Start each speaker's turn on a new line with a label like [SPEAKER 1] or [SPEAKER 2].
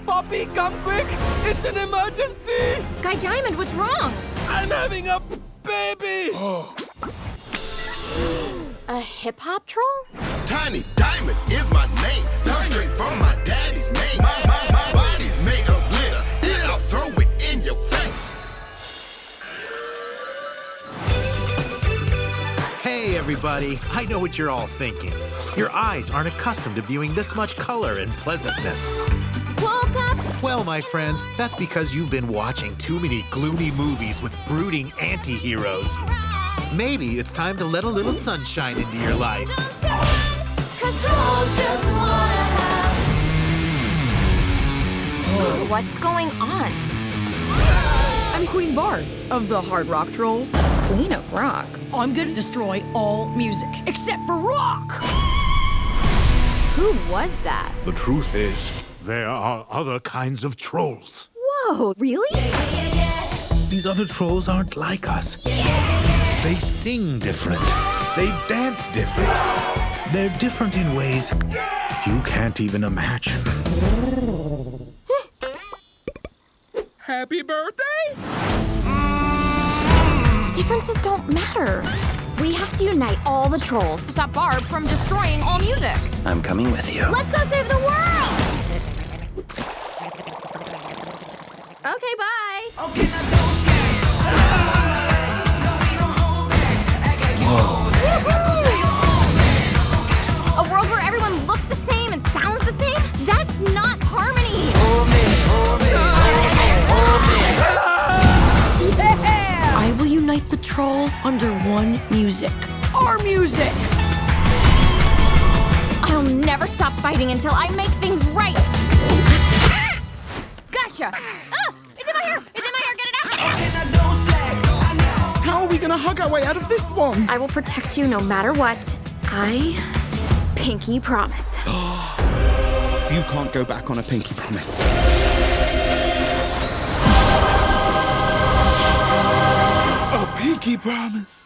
[SPEAKER 1] Poppy, come quick! It's an emergency!
[SPEAKER 2] Guy Diamond, what's wrong?
[SPEAKER 1] I'm having a baby!
[SPEAKER 2] A hip-hop troll?
[SPEAKER 3] Tiny Diamond is my name. Come straight from my daddy's name. My body's made of glitter, and I'll throw it in your face.
[SPEAKER 4] Hey, everybody. I know what you're all thinking. Your eyes aren't accustomed to viewing this much color and pleasantness.
[SPEAKER 2] Woke up!
[SPEAKER 4] Well, my friends, that's because you've been watching too many gloomy movies with brooding anti-heroes. Maybe it's time to let a little sunshine into your life.
[SPEAKER 2] What's going on?
[SPEAKER 5] I'm Queen Bard of the Hard Rock Trolls.
[SPEAKER 2] Queen of Rock?
[SPEAKER 5] I'm gonna destroy all music except for rock!
[SPEAKER 2] Who was that?
[SPEAKER 4] The truth is, there are other kinds of trolls.
[SPEAKER 2] Whoa, really?
[SPEAKER 4] These other trolls aren't like us. They sing different. They dance different. They're different in ways you can't even imagine.
[SPEAKER 1] Happy birthday?
[SPEAKER 2] Differences don't matter. We have to unite all the trolls to stop Barb from destroying all music.
[SPEAKER 6] I'm coming with you.
[SPEAKER 2] Let's go save the world! Okay, bye. A world where everyone looks the same and sounds the same? That's not harmony.
[SPEAKER 5] Yeah! I will unite the trolls under one music. Our music!
[SPEAKER 2] I'll never stop fighting until I make things right. Gotcha. Oh, it's in my hair. It's in my hair. Get it out.
[SPEAKER 3] How are we gonna hug our way out of this one?
[SPEAKER 2] I will protect you no matter what. I pinky promise.
[SPEAKER 3] You can't go back on a pinky promise.
[SPEAKER 1] A pinky promise.